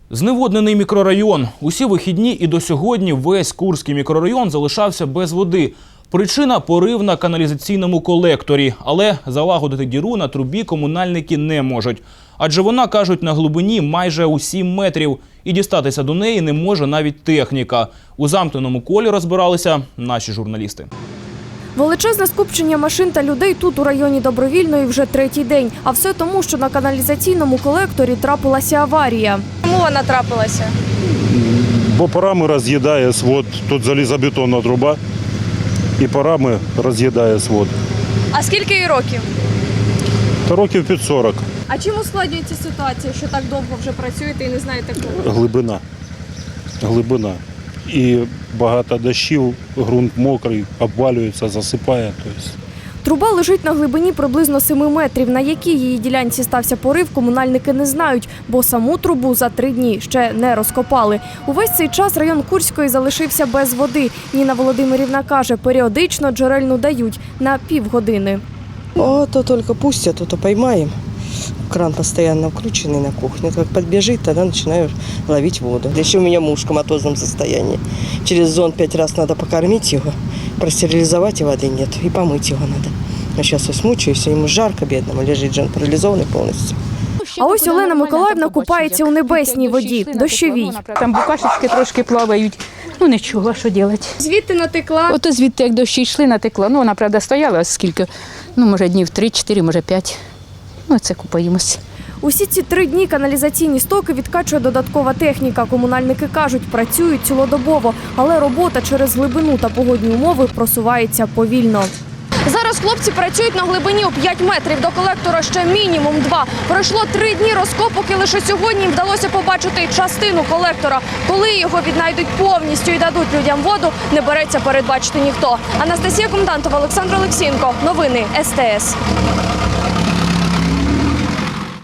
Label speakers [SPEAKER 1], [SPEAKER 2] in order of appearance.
[SPEAKER 1] Зневоднений мікрорайон. Усі вихідні і до сьогодні весь Курський мікрорайон залишався без води. Причина – порив на каналізаційному колекторі. Але залагодити діру на трубі комунальники не можуть. Адже вона, кажуть, на глибині майже у 7 метрів. І дістатися до неї не може навіть техніка. У замкненому колі розбиралися наші журналісти.
[SPEAKER 2] Величезне скупчення машин та людей тут у районі Добровільної вже третій день. А все тому, що на каналізаційному колекторі трапилася аварія.
[SPEAKER 3] Чому вона трапилася?
[SPEAKER 4] Бо парами роз'їдає свод, тут залізобетонна труба, і парами роз'їдає свод.
[SPEAKER 3] А скільки їй років?
[SPEAKER 4] Та років під 40.
[SPEAKER 3] А чим ускладнюється ситуація, що так довго вже працюєте і не знаєте коли?
[SPEAKER 4] Глибина. І багато дощів, ґрунт мокрий, обвалюється, засипає.
[SPEAKER 2] Труба лежить на глибині приблизно 7 метрів. На якій її ділянці стався порив, комунальники не знають, бо саму трубу за 3 дні ще не розкопали. Увесь цей час район Курської залишився без води. Ніна Володимирівна каже, періодично джерельну дають на півгодини.
[SPEAKER 5] То только пустят, то поймаем. Кран постоянно вкрученный на кухне. Как подбежит, тогда начинаю ловить воду. Еще у меня муж в коматозном состоянии. Через зон 5 раз надо покормить его, простерилизовать, и воды нет, и помыть его надо. Но сейчас я смучаюсь, ему жарко бедному, лежит же он парализованный полностью.
[SPEAKER 2] А ось Олена Миколаївна купається у небесній воді, дощовій.
[SPEAKER 6] Там букашечки трошки плавають. Ну нічого, що робити.
[SPEAKER 3] Звідти натекла?
[SPEAKER 6] Ото звідти, як дощі йшли, натекла. Ну, вона, правда, стояла скільки, може днів 3-4, може 5. Ну, це купаємося.
[SPEAKER 2] Усі ці 3 дні каналізаційні стоки відкачує додаткова техніка. Комунальники кажуть, працюють цілодобово, але робота через глибину та погодні умови просувається повільно.
[SPEAKER 3] Зараз хлопці працюють на глибині у 5 метрів. До колектора ще мінімум 2. Пройшло 3 дні розкопок і лише сьогодні їм вдалося побачити частину колектора. Коли його віднайдуть повністю і дадуть людям воду, не береться передбачити ніхто. Анастасія Комендантова, Олександр Олексієнко. Новини СТС.